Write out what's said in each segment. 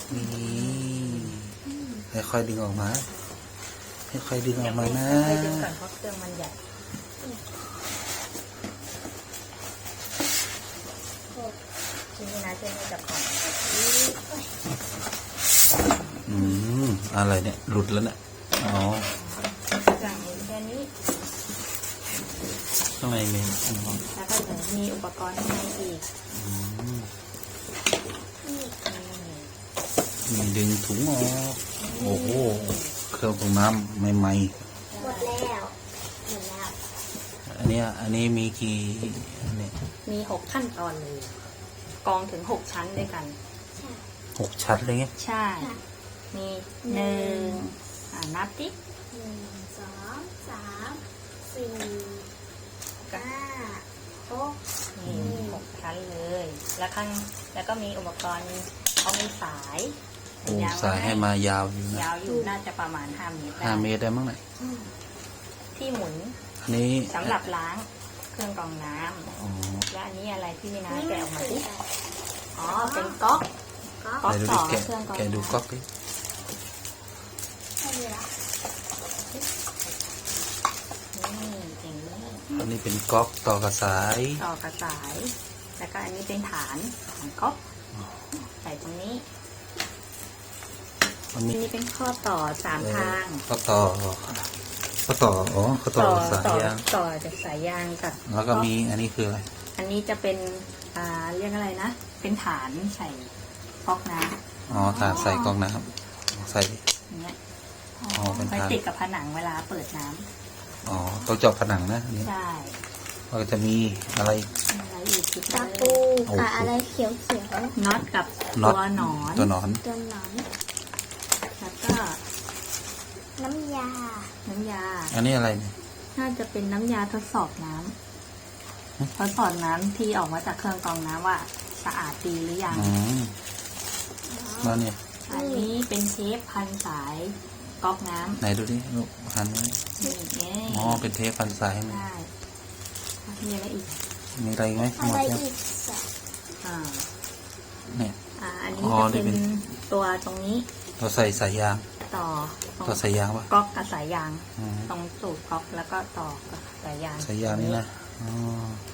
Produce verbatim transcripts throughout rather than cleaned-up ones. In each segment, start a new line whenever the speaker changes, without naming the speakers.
นี่ค่อยๆดึงออกมาค่อยๆดึงออกมานะ
ค่อยๆดึงก่อนเพราะเครื่องมันใหญ่ทีนี้นะเช่นจับก่อน
อืมอะไรเนี่ยหลุดแล้วเนี่ยอ๋อ
จากนี้แค่นี้
ข้างในมี
แล้วก็จะมีอุปกรณ์ข้างในอีก
มีดึงถุงออกโอ้โหเครื่องปรุงน้ำใหม่ๆหมด
แล้วหมดแล้ว
อันนี้อันนี้มีกี่อันนี้
มีหกขั้นตอนเลยกองถึงหกชั้นด้วยกัน
หกชั้นเลยไง
ใช่มีหนึ่งอ่านับดิ
หนึ่งสองสามสี่ห้าหก
นี่หกชั้นเลยแล้วข้างแล้วก็มีอุปกรณ์เขามีสาย
โอ้สายให้มายาวอยู่นะ
ยาวอยู่น่าจะประมาณห้าเมตร
ห้าเมตรได้มั้งไหน
ที่หมุน
อันนี้
สำหรับล้างเครื่องกรองน้ำและอันนี้อะไรที่มีน้ำแกะออกมาดิอ๋อเป็นก๊อกก๊อกต่อเครื่องกรอง
แกะดูก๊อกดิอันนี้เป็นก๊อกต่อกระสาย
ต่อกระสายแล้วก็อันนี้เป็นฐานของก๊อกใส่ตรงนี้อันนี้เป็นข้อต่อสามทาง
ข้อต่อข้อต่ออ๋อข้อต่อสายยาง
ต่อจากสายยางกับ
แล้วก็มีอันนี้คืออะไร
อันนี้จะเป็นอ่าเรียกอะไรนะเป็นฐานใส่ก๊อกน้
ำอ๋อฐานใส่ก๊อกน้ำใส่
เนี้ย
อ๋อเป็นฐาน
ติดกับผนังเวลาเปิดน้ำ
อ๋อต้องเจาะผนังนะนี่
ใช่
ก็จะมีอะไร
อะไรอีก
ตะปูกับอะไรเขียวเขียว
น็อตกับตัวหนอน
ตัวหนอน
ตัวหนอน
แล้วก็
น้ำยา
น้ำยา
อันนี้อะไรเนี่ย
น่าจะเป็นน้ำยาทดสอบน้ำทดสอบน้ำที่ออกมาจากเครื่องกรองน้ำว่าสะอาดดีหรือยัง
แล้วเนี่ย
อันนี้เป็นเทปพันสายก๊อกน้ำ
ไหนดูดิลูกพันอ๋อเป็นเทปพันสายไหม
มีอะไรอีก
มีอะไรไหม
อะไรอีก
อ่า
เนี่ย
อ่าอันนี้จะเป็นตัวตรงนี้
เราใส่สายยาง
ต่อ
ต่อสายยางป่ะ
ก๊อกกับสายยางตรงสูบก๊อกแล้วก็ต่อกับสายยาง
สายยางนี่นะอ๋อ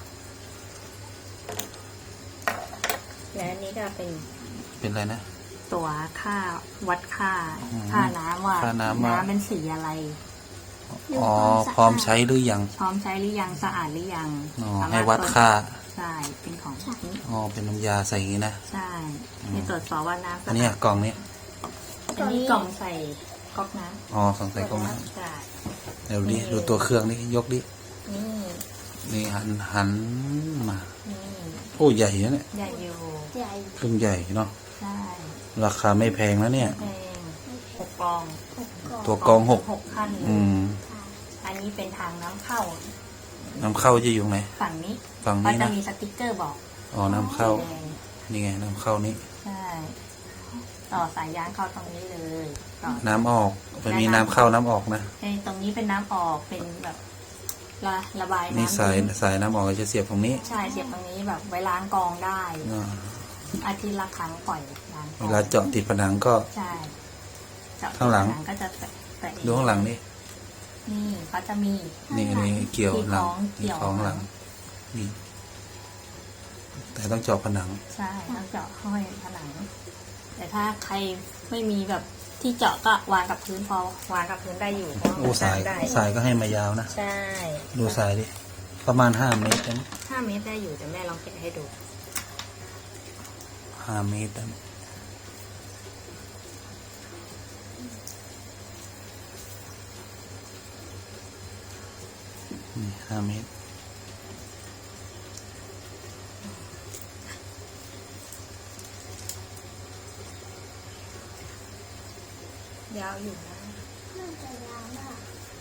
และอันนี้ก็เป็น
เป็นอะไรนะ
ตัวค่าวัดค่าค่าน้ำว่าน้ำเป็นสีอะไร
อ๋อพร้อมใช้หรือยัง
พร้อมใช้หรือยังสะอาดหรือยัง
อ๋อให้วัดค่า
ใช่เป็นของนี้
อ๋อเป็นน้ำยาใส่อย่างนี้นะ
ใช่มีตรวจสอบว่าน้ำ
อันนี้กล่องนี้
อันนี้กล่องใส่ก๊อกน้
ำอ๋อกล่องใส่ก๊อกน้
ำใช่
เดี๋ยวดิดูตัวเครื่องนี่ยกดิ
นี่
นี่หันหันมาโอ้ใหญ่นะเนี่ย
ใหญ่อยู่
ใหญ่
เครื่องใหญ่เนาะ
ใช่
ราคาไม่แพงนะเนี่ย
แพงหกกอง
ตัวกองหก
หกขั้น
อืม
อันนี้เป็นทางน้ำเข้า
น้ำเข้าจะอยู่ไหน
ฝั่งนี้
ฝั่งนี้นะ
จะมีสติ๊กเกอร์บอก
อ๋อน้ำเข้านี่ไงน้ำเข้านี้
ใช่ต่อสายยางเข้าตรงนี้เลย
น้ำออกมันมีน้ำเข้าน้ำออกนะ
ในตรงนี้เป็นน้ำออกเป็นแบบระระบายน้ำ
นี่สายสายน้ำออกจะเสียบตรงนี้
ใช่เสียบตรงนี้แบบไว้ล้างกองได้อาทิตย์ละครั้งปล่อยล้าง
เวลาเจาะติดผนังก็
ใช่
ข้างหลัง
ก็จะ
ดูข้างหลังนี่
นี่เขาจะมี
นี่นี่เกี่ยวหลังที่ของหลังนี่แต่ต้องเจาะผนัง
ใช่ต้องเจาะห้อยผนังแต่ถ้าใครไม่มีแบบที่เจาะก็วางกับพื้นพอวางกับพื้นได้อยู่
โอ้สายสายก็ให้มายาวนะ
ใช่
ดูสายดิประมาณห้าเมตรนะ
ห้าเมตรได้อยู่แต่แม่ลองแกะให้ดู
ห้าเมตรนะนี่ห้าเมตร
ยาวอยู่นะ
น่าจะยาวมาก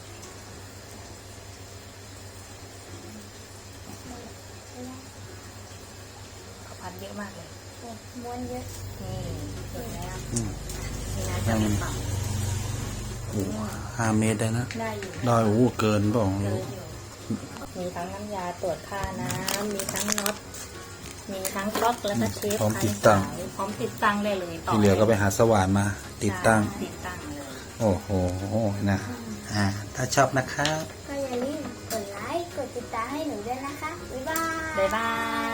เขาพันเยอะมากเลย
ม้วนเยอะ
นี่เห็นแล้วนี่นะ
จะ
เป็นฝั่ง
โอ้ห้าเมตรได้นะ
ได้อยู่
ได้โอ้เกินป่ะ
มีทั้งน้ำยาตรวจค่าน้ำมีทั้งน็อตมีทั้งก๊อกแล้วก็เทป
พร้อมติดตั้ง
พร้อมติดตั้งได้เลยต่อ
ที่เหลือก็ไปหาสว่านมา ติดตั้ง
ใช่ติดตั้งเลย
โอ้โหนะอ่าถ้าชอบนะครับ
ก็อย่าลืมกดไลค์ กดติดตามให้หนูด้วยนะคะ บ๊ายบาย
บ๊ายบาย